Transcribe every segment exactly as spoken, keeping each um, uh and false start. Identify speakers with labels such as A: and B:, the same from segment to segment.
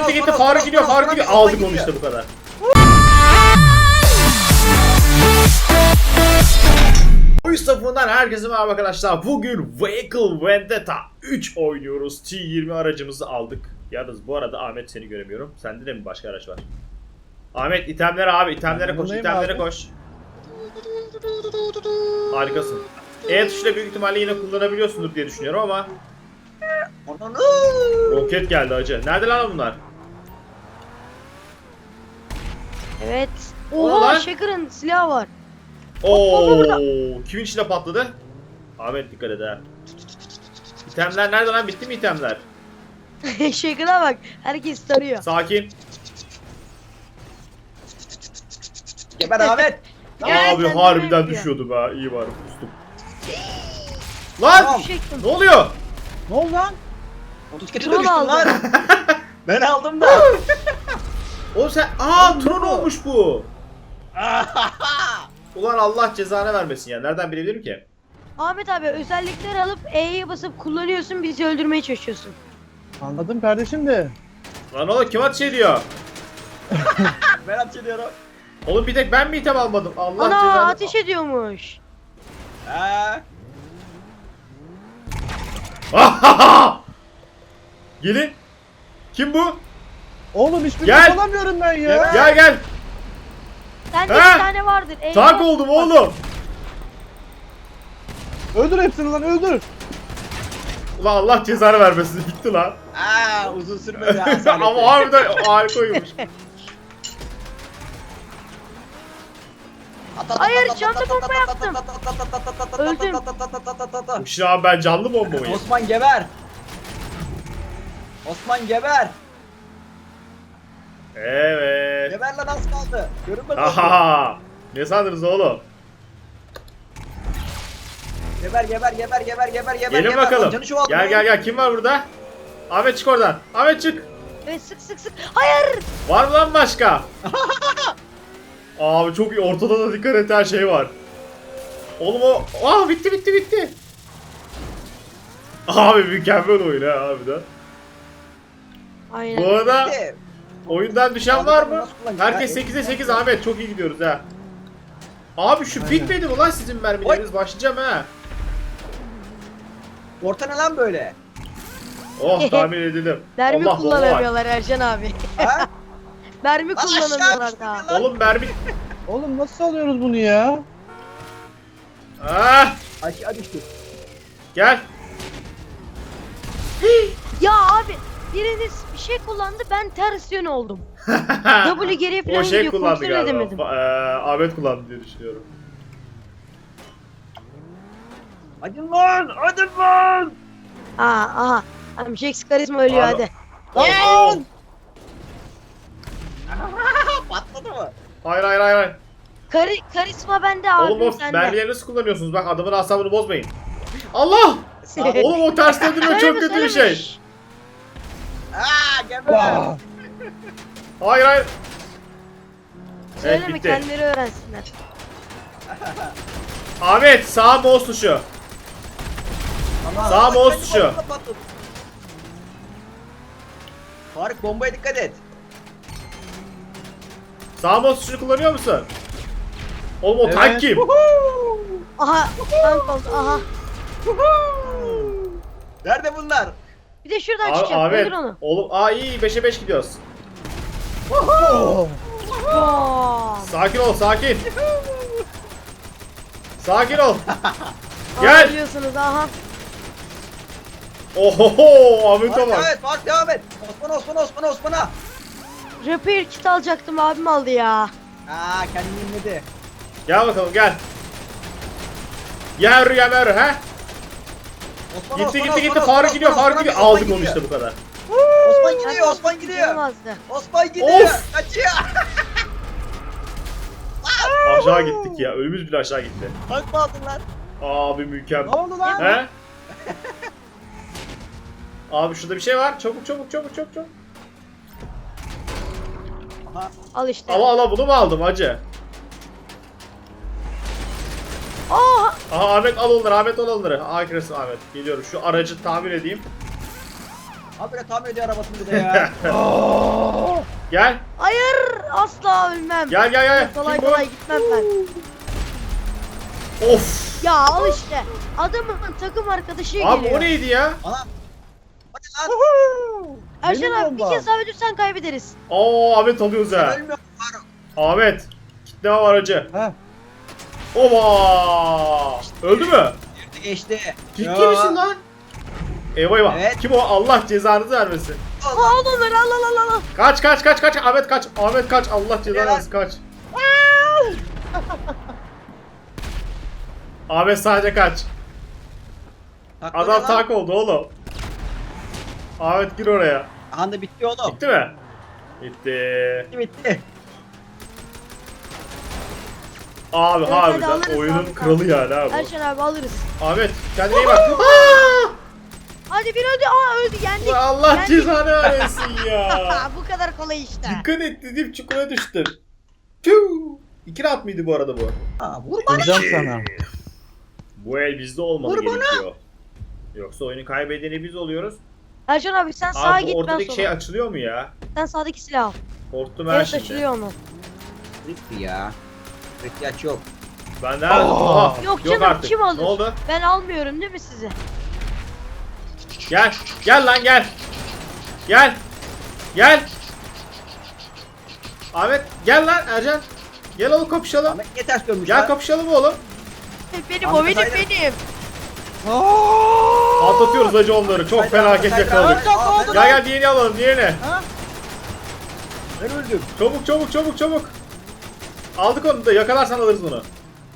A: gitti gitti. Faruk gidiyor, Faruk gidiyor. Aldık onu işte bu kadar. Oyun safından herkese merhaba arkadaşlar. Bugün Vehicle Vendetta üç oynuyoruz. T yirmi aracımızı aldık. Yalnız bu arada Ahmet seni göremiyorum. Sende de mi başka araç var? Ahmet itemlere abi, itemlere koş, itemlere abi. koş. Harikasın. E tuşuyla büyük ihtimalle yine kullanabiliyorsundur diye düşünüyorum ama. Roket geldi hacı. Nerede lan bunlar?
B: Evet. Oha, Shaker'ın silahı var.
A: Oo, kimin içine patladı? Ahmet dikkat et ha. İtemler nerede lan? Bitti mi itemler?
B: Shaker'a bak. Herkes tarıyor.
A: Sakin.
C: Geber Ahmet.
A: Abi harbiden düşüyordu be. İyi var. Kustum. Lan!
C: Tamam.
A: Ne oluyor?
C: Ne oldu lan? Motosiklete
B: Tron
C: düştüm
B: aldı.
C: lan. Ben aldım da.
A: Oğlum sen... Aa
C: Oğlum,
A: Tron
C: ne bu?
A: olmuş bu. Ulan Allah cezanı vermesin ya. Nereden bilebilirim ki?
B: Ahmet abi özellikleri alıp E'ye basıp kullanıyorsun, bizi öldürmeye çalışıyorsun.
D: Anladım kardeşim de.
A: Lan oğlum kim ateş ediyor?
C: Ben ateş ediyorum.
A: Oğlum bir tek ben mi item almadım? Allah
B: Ana
A: cezanı...
B: ateş ediyormuş.
C: Ha.
A: Gelin. Kim bu?
D: Oğlum hiçbirini
A: Gel.
D: alamıyorum ben ya.
A: Gel gel.
B: Sende
A: He?
B: bir tane vardır. E'ye
A: Tank
B: bas-
A: oldum oğlum.
D: Öldür hepsini lan öldür.
A: Ulan Allah cezanı vermesin. Gitti lan.
C: Aa, uzun sürmedi ha.
A: Ama harbiden harika oyunmuş.
B: Hayır, canlı bomba yaptım. Öldüm.
A: Şu an ben canlı bomba mıyım?
C: Osman geber. Osman geber.
A: Evet.
C: Geber lan, az kaldı. Görünmez oldu.
A: Aha. Ne sandınız oğlum?
C: Geber geber geber geber geber geber.
A: Gelin
C: geber.
A: bakalım.
C: Canı çoğalttı
A: Gel
C: lan.
A: gel gel. Kim var burada? Ahmet çık oradan. Ahmet çık.
B: Evet, sık sık sık. Hayır.
A: Var mı lan başka? Abi çok iyi. Ortada da dikkat et, her şey var. Oğlum o... Aa bitti bitti bitti. Abi mükemmel oyun ha harbiden.
B: Aynen.
A: Bu arada
C: Bitti.
A: oyundan düşen var mı?
C: Nasıl kullanacak?
A: Herkes
C: Ya,
A: sekize sekiz Ahmet. Çok iyi gidiyoruz ha. Abi şu bitmedi mi lan sizin mermileriniz? Başlayacağım ha.
C: Orta ne lan böyle?
A: Oh tahmin edildim.
B: Mermi
A: Allah, bomba var.
B: kullanamıyorlar Ercan abi.
C: Ha?
B: Mermi
C: Lan aşağı
B: kullanamıyorlar
C: düştü
B: daha.
C: lan.
A: Oğlum mermi...
D: Oğlum nasıl alıyoruz bunu ya?
A: Ah,
C: Aşağı düştü.
A: gel.
B: Ya abi, biriniz bir şey kullandı, ben ters yön oldum. W geriye falan
A: O şey
B: gidiyor,
A: kullandı
B: kontrol
A: galiba.
B: edemedim.
A: Ba- eee, Ahmet kullandı diye düşünüyorum.
C: Hadi lan, hadi lan.
B: Aa, aha. Tamam, Jax karizma ölüyor
A: Abi-
B: hadi.
A: Lan!
C: Patladı mı?
A: Hayır hayır hayır. hayır.
B: Kari karizma bende abi,
A: Oğlum o
B: sende.
A: mermileri nasıl kullanıyorsunuz? Bak adamın asabını bozmayın. Allah! Oğlum o ters döndürme çok kötü bir şey.
C: Aa, geber.
D: Aa,
A: Hayır hayır. Evet
B: Söyleme,
A: bitti.
B: kendileri öğrensinler.
A: Ahmet sağ mouse tuşu.
C: Aman,
A: Sağ
C: bak,
A: mouse
C: kendi
A: tuşu.
C: bombasına patladı. Faruk, bombaya dikkat et.
A: Sağ mouse tuşunu kullanıyor musun? Oğlum o
D: Evet.
A: tank kim?
B: Aha, tank oldu, aha.
C: Nerede bunlar?
B: Bir de şuradan
A: Abi,
B: çıkacak,
A: Ahmet.
B: öldür onu.
A: Oğlum aa iyi beşe beş gidiyoruz.
D: oh.
B: Bam.
A: Sakin ol sakin. Sakin ol.
B: Aa,
A: Gel.
B: biliyorsunuz, aha.
A: Ohoho Ahmet'e
C: Faruk,
A: bak.
C: devam et, Faruk, devam et. Osman, Osman, Osman, Osman'a.
B: Repair kit alacaktım, abim aldı ya.
C: Aa, kendini inledi.
A: Gel bakalım gel. Yer yemer he?
C: Osman,
A: Gitti
C: Osman,
A: gitti
C: Osman,
A: gitti
C: Osman,
A: Faruk gidiyor
C: Osman,
A: Faruk
C: Osman,
A: gidiyor.
C: Osman
A: Aldık onu
C: gidiyor.
A: işte bu kadar.
C: Osman gidiyor, Osman gidiyor.
B: Olmazdı.
C: Osman gidiyor.
A: Of!
C: Kaçıyor.
A: Aşağı gittik ya. Ölümüz bile aşağı gitti.
C: Tank mı aldın lan?
A: Abi mükemmel.
D: Ne oldu lan?
A: He? Abi şurada bir şey var. Çabuk çabuk çabuk çabuk çabuk.
C: Aha.
B: Al işte.
A: Ala ala bunu mu aldım hacı?
B: Aa,
A: Aha Ahmet al onları, Ahmet al onları. Akresim Ahmet. Geliyorum şu aracı tamir edeyim.
C: Abi tamir ediyor arabasını bir de ya.
D: Aa.
A: Gel.
B: Hayır asla ölmem.
A: Gel gel gel.
B: Kolay
A: Kim bu?
B: kolay gitmem ben.
A: Of.
B: Ya al işte. Adamın takım arkadaşı
A: Abi
B: geliyor.
A: o neydi ya?
C: Anam. Hadi lan.
B: Erşen
D: Benim
B: abi bir
D: bomba.
B: kez daha ölürsen kaybederiz.
A: Oo Ahmet alıyoruz ha.
C: Ölmüyorum Faruk.
A: Ahmet. Kitleme var acı.
D: Ha.
A: Oba. Öldü mü?
C: Girdi geçti.
A: Ciddi
C: Ya.
A: misin lan? Eyvah eyvah.
C: Evet.
A: Kim o? Allah cezanızı vermesin.
B: Al onları al al al al.
A: Kaç kaç kaç kaç. Ahmet kaç. Ahmet kaç. Allah cezanı
C: Helal.
A: vermesin kaç. Ahmet sadece kaç.
C: Takla
A: Adam
C: lan.
A: tak oldu oğlum. Ahmet gir oraya.
C: Aha da bitti oğlum.
A: Bitti mi? Bitti.
C: Bitti bitti.
A: Abi
B: Evet, hadi
A: harbiden
B: alırız
A: oyunun
B: abi,
A: kralı yani abi.
B: Erşen abi alırız.
A: Ahmet kendine iyi bak. Aa!
B: Hadi bir öldü. Aa öldü yendik.
A: Ulan Allah
B: Yendik.
A: cezanı vermesin ya.
B: Bu kadar kolay işte.
A: Dikkat et dedim çukura düştüm. Tüh. İki rahat mıydı bu arada bu?
C: Ha, vur bana.
D: Vuracağım sana.
A: Bu el bizde olmalı
C: Vur bana.
A: gerekiyor. Yoksa oyunu kaybedeni biz oluyoruz.
B: Erşen abi sen sağa
A: Abi
B: git
A: bu
B: ben
A: ortadaki
B: sola.
A: şey açılıyor mu ya?
B: Sen sağdaki silah al.
A: Korktum her
B: Evet
A: şeyde.
B: açılıyor onu.
C: Bitti ya. İhtiyaç yok.
A: Ben de Aha,
B: Yok canım,
A: artık.
B: kim alır?
A: Ne oldu?
B: Ben almıyorum değil mi sizi?
A: Gel. Gel lan gel. Gel. Gel. Ahmet gel lan Ercan. Gel oğlum kapışalım.
C: Ahmet niye ters dönmüş
A: Gel
C: lan?
A: kapışalım oğlum.
B: Benim
C: Ahmet
B: o benim
C: Aydın.
B: benim.
A: Atlatıyoruz hacı onları. Çok
C: Haydi,
A: felaket
C: haydi,
A: yakaladık.
C: haydi. Aa, ben
A: Gel gel diğerini alalım diğerini.
C: Ben öldüm.
A: Çabuk çabuk çabuk çabuk. Aldık onu da yakalarsan alırız bunu.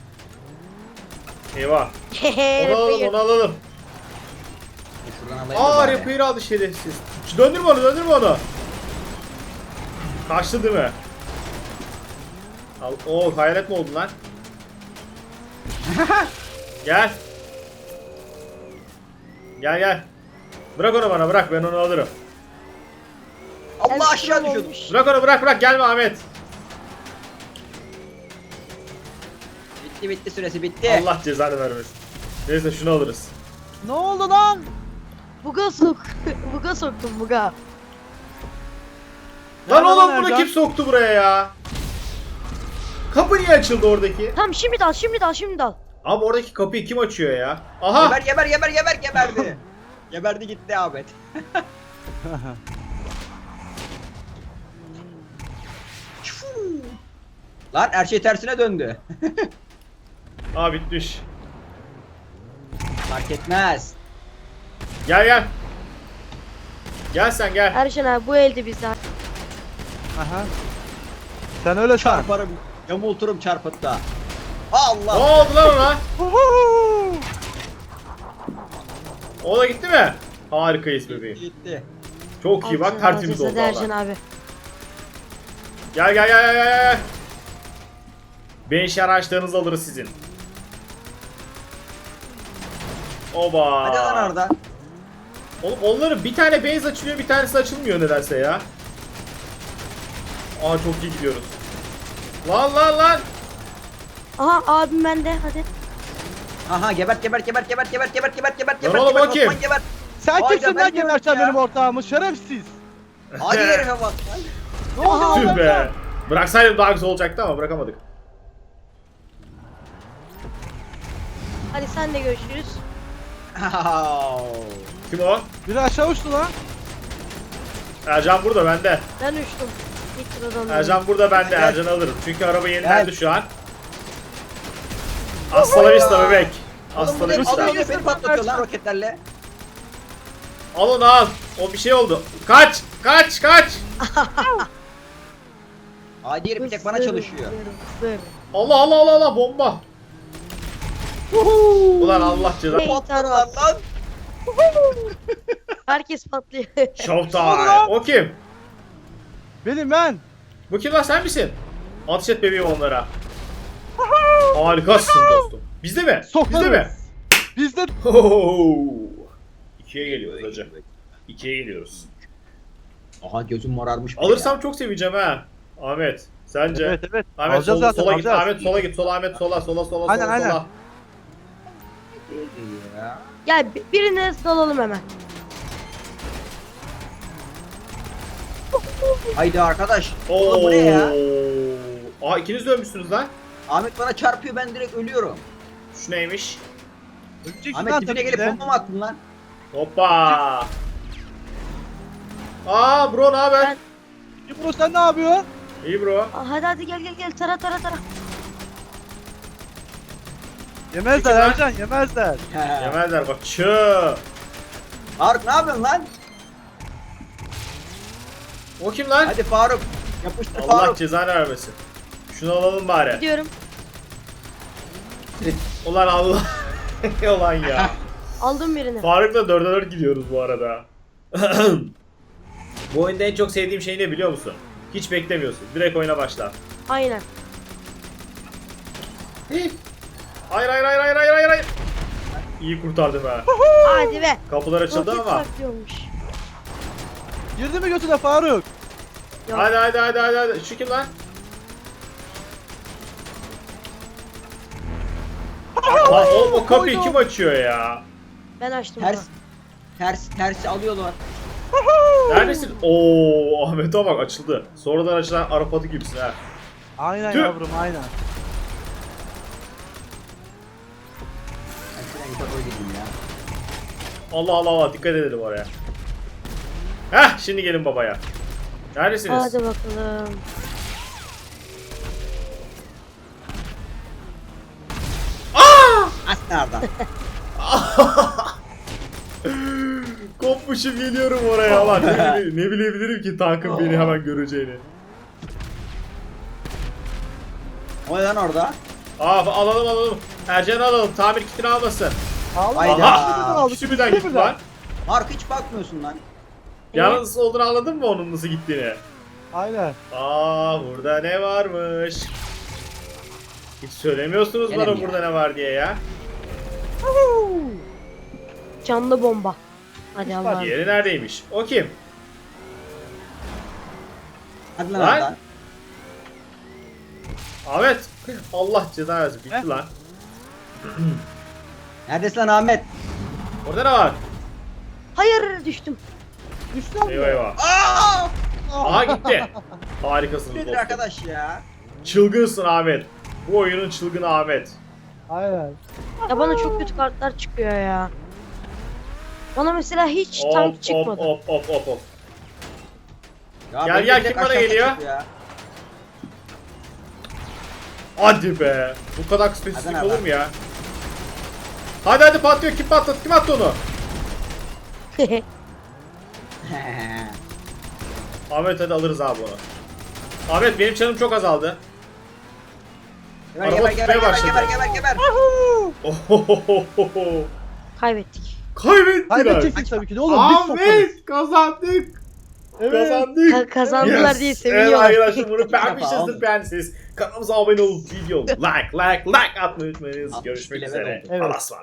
A: Eyvah. Onu alalım
B: Buyur.
A: onu alalım.
C: Şuradan alayım da
A: Aa
C: bari.
A: repair aldı şerefsiz. Şu döndürme onu döndürme onu. Kaçtı değil mi? Al. Oo hayalet mi oldun lan? Gel. Gel gel. Bırak onu bana bırak ben onu alırım.
C: Allah aşağı
B: Elström
C: düşüyordum.
B: olmuş.
A: Bırak onu bırak bırak gelme Ahmet.
C: Bitti bitti süresi bitti.
A: Allah cezanı vermesin. Neyse şunu alırız.
D: Ne oldu lan?
B: Buga sok. Buga soktum buga.
A: Lan
D: Nerede
A: oğlum
D: lan
A: bunu
D: Ercan?
A: kim soktu buraya ya? Kapı niye açıldı oradaki?
B: Tamam şimdi dal şimdi dal şimdi dal.
A: Abi oradaki kapıyı kim açıyor ya? Aha!
C: Geber geber geber geber geberdi. Geberdi gitti Ahmet. Lan her şey tersine döndü.
A: Aa bitmiş.
C: Fark etmez.
A: Gel gel. Gel sen gel.
B: Erşen abi bu elde bizden.
D: Aha. Sen öyle san.
C: Çarparım. Yamulturum çarpıtta.
A: Ne
C: Allah.
A: oldu lan ona? O da gitti mi? Harikayız bebeğim.
C: Gitti.
A: Çok iyi bak
B: Alacağız,
A: tertemiz
B: alacağız.
A: oldu
B: Hadi Erşen
A: valla.
B: abi.
A: Gel gel gel gel gel. Beş araçlarınızı alırız sizin. Oba.
C: Hadi lan Arda.
A: Oğlum onların bir tane base açılıyor bir tanesi açılmıyor nedense ya. Aa çok iyi gidiyoruz. Lan lan lan.
B: Aha abim bende hadi.
C: Aha gebert gebert gebert gebert gebert gebert gebert gebert
A: Lan
C: gebert
A: oğlum,
C: gebert
A: o kim?
C: Osman gebert.
D: Sen
C: Vay
D: kimsin
C: be, ben
D: lan geberten
C: diyorum ya.
D: benim ortağımı şerefsiz.
C: Hadi herife bak lan.
D: Ne oldu
A: Tüh
D: lan?
A: be. Bıraksaydım daha güzel olacaktı ama bırakamadık.
B: Hadi sen de görüşürüz.
A: Kim o?
D: Biri aşağı uçtu lan.
A: Ercan burada bende.
B: Ben uçtum. İlk sıradan.
A: Ercan burada bende.
C: Gel.
A: Ercan alırım. Çünkü araba yenilendi
C: Gel.
A: şu an. Hasta la vista bebek.
C: Oğlum
A: Hasta
C: bu
A: la
C: ne
A: vista.
C: alıyor beni patlatıyor lan roketlerle.
A: Al onu al. O bir şey oldu. Kaç! Kaç! Kaç!
C: Hadi herif bir tek bana çalışıyor.
A: Allah Allah Allah Allah bomba. Ulan Allah cezanı.
B: Hey.
C: Patladılar lan.
B: Herkes patlıyor.
A: Showtime. O kim?
D: Benim ben.
A: Bu kim lan sen misin? Ateş et bebeğim onlara. Harikasın dostum. Bizde mi?
D: Sokarız.
A: Bizde mi?
D: Bizde
A: Hohoho. İkiye geliyoruz hacı. İkiye geliyoruz.
C: Aha gözüm morarmış. bile
A: Alırsam çok seveceğim ha. Ahmet. Sence?
D: evet evet.
A: Ahmet
D: Alacağız
A: sol-
D: zaten,
A: sola git.
D: alacağız.
A: Ahmet sola git. Sola Ahmet sola sola sola
D: Aynen,
A: sola
D: aynen.
A: sola.
C: ya.
B: Gel bi- birine dalalım hemen.
C: Haydi arkadaş.
A: Oo.
C: Oğlum bu ne ya?
A: Aa ikiniz de ölmüşsünüz lan.
C: Ahmet bana çarpıyor, ben direkt ölüyorum.
A: Şu neymiş?
D: Öleceksin
C: Ahmet
D: lan
C: dibine
D: tabii
C: gelip
D: ki de.
C: bomba mı attın lan?
A: Hoppa. Aa bro ne haber?
B: Ben-
D: İbro sen ne yapıyorsun?
A: İyi bro.
B: Aa, hadi hadi gel gel gel tara tara tara.
D: Yemezler
A: Peki lan.
D: Ercan yemezler.
A: Yemezler bak çı.
C: Faruk ne yapıyorsun lan?
A: O kim lan?
C: Hadi Faruk. Yapıştır
A: Allah
C: Faruk.
A: cezanı vermesin. Şunu alalım bari.
B: Gidiyorum.
A: Ulan Allah. Ulan ya.
B: Aldım birini.
A: Faruk'la dörde dört gidiyoruz bu arada. Bu oyunda en çok sevdiğim şey ne biliyor musun? Hiç beklemiyorsun. Direkt oyuna başla.
B: Aynen.
A: Hayır hayır hayır hayır hayır hayır hayır. İyi kurtardım ha.
B: Hadi be.
A: Kapılar açıldı
B: Roket
A: ama.
B: saklıyormuş.
D: Girdi mi götüne Faruk?
B: Yok.
A: Hadi hadi hadi hadi hadi. Şu kim lan? Lan oğlum o kapıyı
D: Koydum.
A: kim açıyor ya?
B: Ben açtım.
C: Ters.
B: Ters.
C: Ters. Tersi alıyorlar.
A: Neredesin? Oo Ahmet'e bak açıldı. Sonradan açılan Arap atı gibisin ha.
D: Aynen
A: Tüh.
D: yavrum aynen.
C: Ben şuradan yukarı gideyim ya.
A: Allah Allah Allah dikkat edelim oraya. Heh şimdi gelin babaya. Neredesiniz?
B: Hadi bakalım.
C: Aslında oradan.
A: Kopmuşum geliyorum oraya lan. Ne, bile- ne bilebilirim ki tankın beni hemen göreceğini.
C: O ne lan orada?
A: Aa alalım alalım. Ercan'ı alalım. Tamir kitini almasın.
C: Hayda.
A: Aha! Şimdiden gitti lan.
C: Faruk hiç bakmıyorsun lan.
A: Yalnız olduğunu anladın mı onun nasıl gittiğini?
D: Aynen.
A: Aa burada ne varmış? Hiç söylemiyorsunuz
C: Gene
A: bana
C: mi ya?
A: burada ne var diye ya.
B: Canlı bomba. Hadi Allah'ım.
A: Diğeri neredeymiş? O kim?
C: Hadi lan
A: Lan.
C: oradan.
A: Ahmet. Allah cezanı versin. Bitti
D: Heh.
A: lan.
C: Neredesin lan Ahmet?
A: Orada ne var?
B: Hayır düştüm.
D: Düştün mü?
A: Eyvah eyvah.
C: Aa!
A: Aha gitti. Harikasınız
C: Nedir
A: dostum.
C: arkadaş ya?
A: Çılgınsın Ahmet. Bu oyunun çılgını Ahmet.
D: Aynen.
B: Ya bana çok kötü kartlar çıkıyor ya. Bana mesela hiç
A: Hop
B: tank
A: hop
B: çıkmadı.
A: hop hop hop hop.
C: Ya
A: Gel,
C: benim
A: gel,
C: direkt
A: kim bana
C: aşağıda
A: geliyor?
C: çıktı ya.
A: Hadi be. Bu kadar spesifik
C: Hadi
A: olur
C: lan.
A: mu ya? Hadi hadi patlıyor. Kim patlattı? Kim attı onu? Ahmet hadi alırız abi onu. Ahmet benim canım çok azaldı.
C: Geber
A: Araba
C: geber geber
A: tutmaya
C: geber
A: başladı.
C: geber geber geber.
A: Ohohohoho.
B: Kaybettik.
A: Kaybettiler.
D: Kaybedeceksin tabii ki de oğlum. Biz sokarız.
A: Ahmet kazandık.
D: Evet.
A: Kazandık.
B: Ka- kazandılar
A: Yes.
B: diye
A: Evet
B: seviniyorlar.
A: arkadaşlar bunu beğenmişsinizdir
C: Yapalım.
A: beğendiyseniz kanalımıza abone olup video like like like atmayı unutmayınız.
C: altmış
A: Görüşmek
C: bile
A: üzere.
C: ver oldu.
D: Evet.
A: Allah'a ısmarladık.